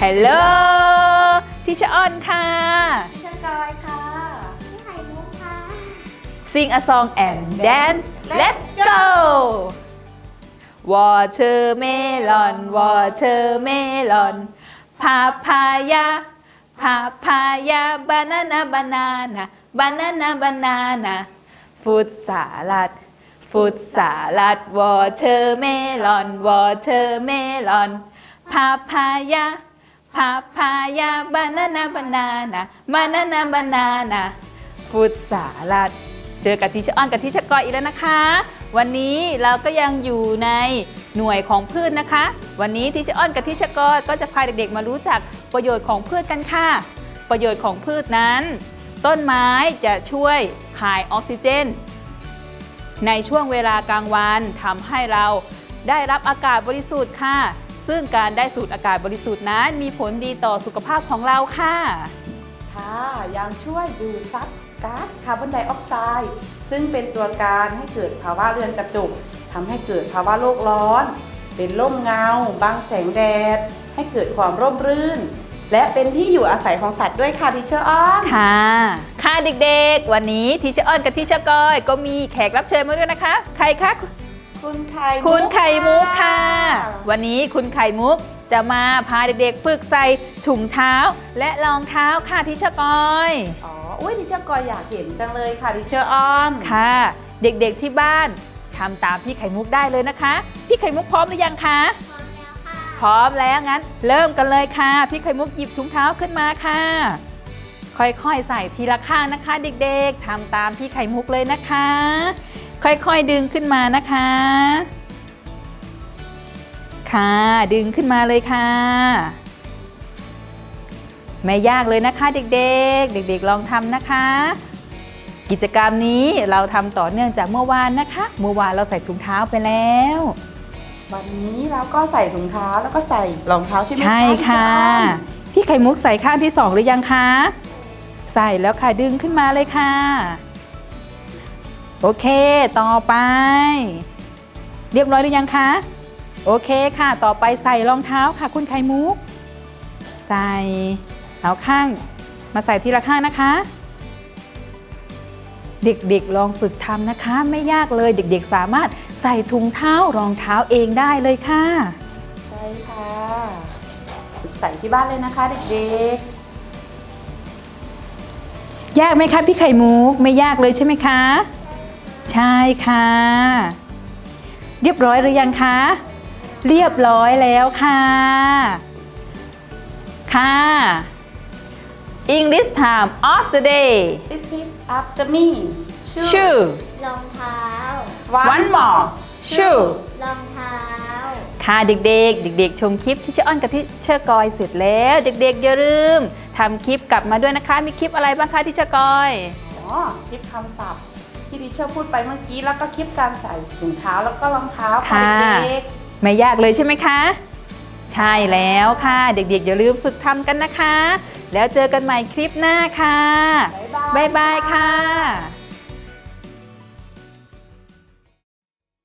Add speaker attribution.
Speaker 1: Hello ทิชออนค่ะ
Speaker 2: พี่ชกอยค่ะ
Speaker 3: พี่ไข่มุกค่ะ
Speaker 1: Sing a song and dance Let's go Watermelon Watermelon Papaya Papaya Banana Banana Banana Banana Fruit salad Fruit salad Watermelon Watermelon Papaya Papaya Banana Banana Banana Banana Fruit salad เจอกับทิชออนกับทิชกอยอีกแล้วนะคะ วันนี้เราก็ยังอยู่ในหน่วยของพืชนะคะ วันนี้ทิชออนกับทิชกอยก็จะพาเด็กๆมารู้จักประโยชน์ของพืชกันค่ะ ประโยชน์ของพืชนั้น ต้นไม้จะช่วยคายออกซิเจนในช่วงเวลากลางวันทำให้เราได้รับอากาศบริสุทธิ์ค่ะ ซึ่งการได้สูดอากาศบริสุทธิ์นั้นมีผลดีต่อสุขภาพของเราค่ะ
Speaker 2: ค่ะยังช่วยดูดซับก๊าซคาร์บอนไดออกไซด์ซึ่งเป็นตัวการให้เกิดภาวะเรือนกระจกทำให้เกิดภาวะโลกร้อน เป็นร่มเงาบังแสงแดดให้เกิดความร่มรื่น และเป็นที่อยู่อาศัยของสัตว์ด้วยค่ะทิเชอร์ออน
Speaker 1: ค่ะค่ะเด็กๆวันนี้ทิชออนกับทิชกอยก็มีแขกรับเชิญมาด้วยนะคะใครคะคุณไข่มุกค่ะ วันนี้คุณไข่มุกจะมาพาเด็กๆฝึกใส่ถุงเท้าและรองเท้าค่ะทิชกอย
Speaker 2: อ๋ออุ้ยทิเชอร์กอยอยากเห็นจังเลยค่ะทิเชอร์ออน
Speaker 1: ค่ะ เด็กๆที่บ้านทำตามพี่ไข่มุกได้เลยนะคะ พี่ไข่มุกพร้อมหรือยังคะ
Speaker 3: พร้อมแล้วค่ะ
Speaker 1: พร้อมแล้วงั้นเริ่มกันเลยค่ะ พี่ไข่มุกหยิบถุงเท้าขึ้นมาค่ะ ค่อยๆใส่ทีละข้างนะคะเด็กๆทำตามพี่ไข่มุกเลยนะคะ ค่อยๆดึงขึ้นมานะคะ ค่ะดึงขึ้นมาเลยค่ะไม่ยากเลยนะคะเด็กๆเด็กๆลองทำนะคะ กิจกรรมนี้เราทำต่อเนื่องจากเมื่อวานนะคะเมื่อวานเราใส่ถุงเท้าไปแล้ว
Speaker 2: วันนี้เราก็ใส่ถุงเท้าแล้วก็ใส่รองเท้าใช่ไหมคะ
Speaker 1: ใช่ค่ะ พี่ไข่มุกใส่ข้างที่2หรือยังคะใส่แล้วค่ะดึงขึ้นมาเลยค่ะโอเคต่อไปเรียบร้อยหรือยังคะโอเคค่ะต่อไปใส่รองเท้าค่ะคุณไข่มุกใส่เอาข้างมาใส่ทีละข้างนะคะเด็กๆลองฝึกทำนะคะไม่ยากเลยเด็กๆสามารถใส่ถุงเท้ารองเท้าเองได้เลยค่ะ
Speaker 2: ใช่ค่ะฝึกใส่ที่บ้านเลยนะคะเด็ก
Speaker 1: ยากไหมคะพี่ไข่มุกไม่ยากเลยใช่ไหมคะใช่ค่ะเรียบร้อยหรือยังคะเรียบร้อยแล้วค่ะค่ะ English time of the day
Speaker 2: ๆ This is after me
Speaker 1: shoe
Speaker 3: รองเท้า
Speaker 1: one more shoe
Speaker 3: รองเท้า
Speaker 1: ค่ะเด็กๆเด็กๆชมคลิปที่เชออ้อนกับที่เชอกอยเสร็จแล้วเด็กๆอย่าลืมทำคลิปกลับมาด้วยนะคะมีคลิปอะไรบ้างคะที่เชอกอย
Speaker 2: อ๋อคลิปคำศัพท์ที่ดิเชอร์พูดไปเมื่อกี้แล้วก็คลิปการใส่ถุงเท้าแล้วก็รองเท้าค่ะเด็ก
Speaker 1: ไม่ยากเลยใช่ไหมคะ ใช่แล้วค่ะเด็กๆอย่าลืมฝึกทำกันนะคะ แล้วเจอกันใหม่คลิปหน้าค่ะ
Speaker 2: ๆ
Speaker 1: บ๊ายบายค่ะ